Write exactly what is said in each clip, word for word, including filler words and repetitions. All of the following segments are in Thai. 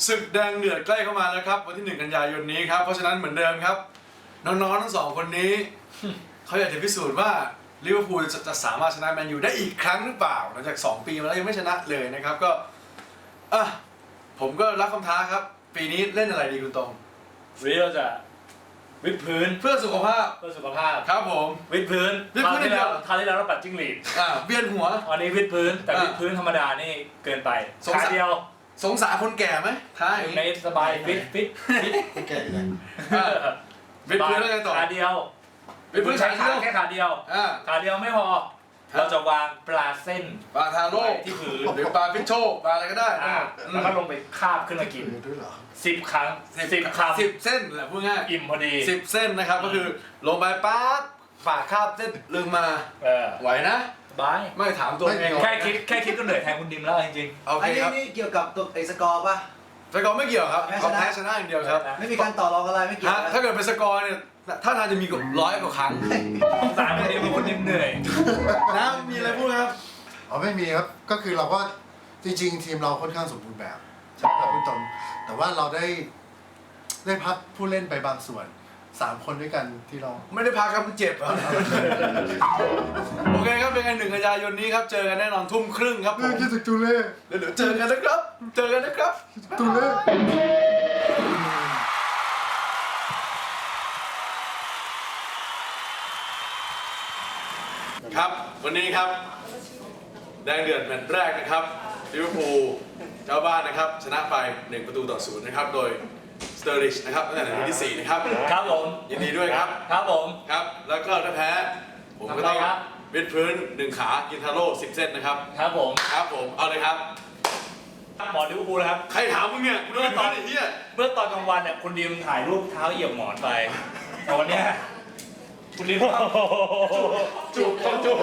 ศึกแดงเดือดใกล้เข้ามาแล้วครับวันที่หนึ่งกันยายนนี้ครับเพราะฉะนั้นเหมือนเดิมครับน้องๆทั้งสองคนนี้ เขาอยากจะพิสูจน์ว่าลิเวอร์พูลจะจะสามารถชนะแมนยูได้อีกครั้งหรือเปล่าหลังจากสองปีมาแล้วยังไม่ชนะเลยนะครับก็อ่ะผมก็รับคำท้าครับปีนี้เล่นอะไรดีคุณตรงวันนี้เราจะวิดพื้นเพื่อสุขภาพเพื่อสุขภาพครับผมวิดพื้นวิดพื้นคราวที่แล้วเดียวคราวที่แล้วเราปัดจิ้งหรีดอ่าเวียนหัววันนี้วิดพื้นแต่อ่ะวิดพื้นธรรมดานี่เกินไปสงสารขาเดียวสงสารคนแก่ไหมท้าอย่างในนี้สบายฟิตฟิตฟิตไม่แก่อยู่แล้วอ่ะวิดพื้นแล้วไงต่อขาเดียววิดพื้นใช้ขาขาเดียวแค่ขาเดียวอ่าขาเดียวไม่พอครับเราจะวางปลาเส้นปลาทาโร่ไว้ที่พื้นหรือปลาพิชโชปลาอะไรก็ได้อ่าอืมแล้วก็ลงไปคาบขึ้นมากินมีด้วยเหรอสิบครั้งสิบคำสิบเส้นแหละพูดง่ายอิ่มพอดีสิบเส้นนะครับก็คือลงไปป๊าบฝากคาบเส้นลึงมาเออไหวนะบายไม่ถามตัวเองแค่คิดแค่คิดก็เหนื่อยแทนคุณดิมแล้วจริงโออัเคนนี้ครับนี่เกี่ยวกับตัวไอ้สกอร์ป่ะสกอร์ไม่เกี่ยวครับแพ้ชนะเขาแพ้ชนะอย่างเดียวครับไม่มีการต่อรองอะไรไม่เกี่ยวฮะนะถ้าเกิดเป็นสกอร์เนี่ยถ้าทางจะมีกว่าร้อยกว่าครั้งๆสงสารคุณดิมเพราะคุณดิมเหนื่อยนะมีอะไรพูดครับอ๋อไม่มีครับ ก็คือเราก็จริงๆ ทีมเราค่อนข้างสมบูรณ์แบบใช่ไหมครับคุณตรงแต่ว่าเราได้ได้พักผู้เล่นไปบางส่วนสามคนด้วยกันที่เราไม่ได้พักครับมันเจ็บครับ โอเคครับเป็นไงหนึ่งกันยายนนี้ครับเจอกันแน่นอนทุ่มครึ่งครับผมคิดถึงตูเล่เดี๋ยวเดี๋ยวเจอกันนะครับ เจอกันนะครับตูเล่ครับวันนี้ครับแดงเดือดแมตช์แรกนะครับลิเวอร์พูลเจ้าบ้านนะครับชนะไปหนึ่งประตูต่อศูนย์นะครับโดยสเตอริชนะครับตั้งแต่นาทีที่สี่นะครับครับผมยินดีด้วยครับครับผมครับแล้วก็ถ้าแพ้ผมก็ต้องทำไงครับวิดพื้นหนึ่งขากินทาโร่สิบเส้นนะครับครับผมครับผมเอาเลยครับหมอลิเวอร์พูลนะครับใครถามมึงเนี่ยมึงโดนตอนไอ้เหี้ยเมื่อตอนกลางวันเนี่ยคุณดิมถ่ายรูปเท้าเหยียบหมอนไปแต่วันเนี้ยคุณดิมจูบต้องจูบ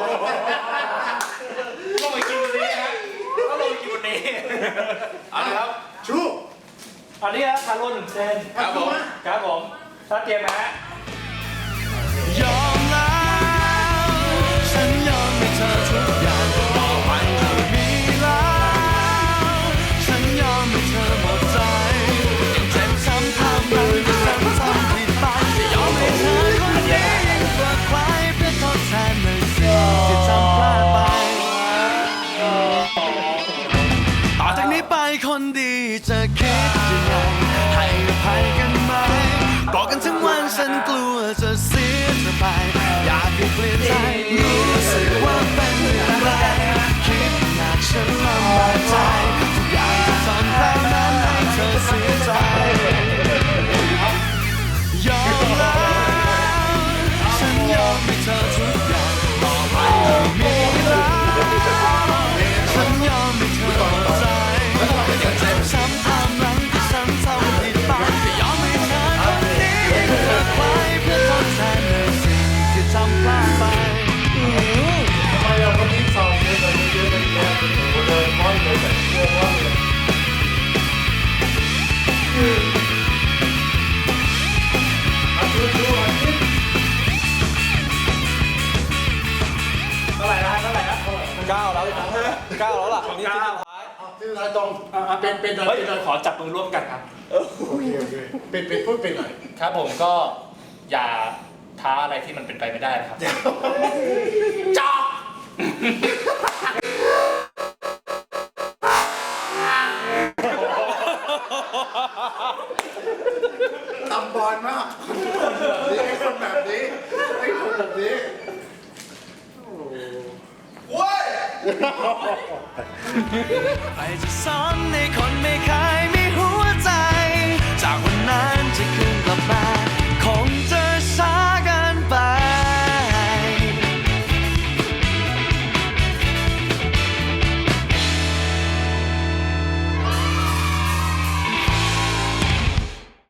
ต้องไปกินวันนี้ฮะต้องลงไปกินวันนี้เอาเลยครับชูอันนี้ครับทาโร่หนึ่งเซนครับผมครับผมถ้าเตรียมนะฮะยอมแล้วฉันยอมให้เธอทุกอย่างต่อไปไม่มีแล้วฉันยอมให้เธอหมดใจยังเจ็บช้ำทำรังที่ซ้ำซ้ำผิดไปจะยอมให้เธอคนนี้ยิ่งกว่าใครเพื่อทดแทนในสิ่งที่ทำพลาดไปต่อจากนี้ไปคนดีจะคิดยังไงให้อภัยกันไหมบอกกันทั้งวันฉันกลัวจะเสียเธอไปอยากให้เปลี่ยนใจรู้สึกว่าเป็นอย่างไรคิดอยากฉันลำบากใจทุกอย่างจะทำแบบนั้นให้เธอเสียใจยอมแล้วฉันยอมให้เธอทุกอย่างต่อไปไม่มีแล้วฉันยอมให้เธอหมดใจยังเจ็บช้ำทำหลังที่ฉันทำผิดไปจะยอมให้เธอคนนี้ยิ่งกว่าใครเพื่อทดแทนในสิ่งที่ทำพลาดไปทำไมเราคนนี้สอบเยอะเลยเยอะเลยเยอะเลยเลยร้อยเลยแบบกลัวว่าเลยเท่าไหร่นะเท่าไหร่นะเท่าไหร่เก้าแล้วเก้าแล้วล่ะนี่เก้าที่เราตรงเป็นเป็นเฮ้ยเป็นขอจับมือร่วมกันครับโอเคโอเคเป็นเป็นพูดเป็นหน่อยครับผมก็อย่าท้าอะไรที่มันเป็นไปไม่ได้นะครับจอกตำบอลมากนี่ไอ้คนแบบนี้ไอ้คนแบบนี้โว้ยใครจะสอนในคนไม่เคยมีหัวใจ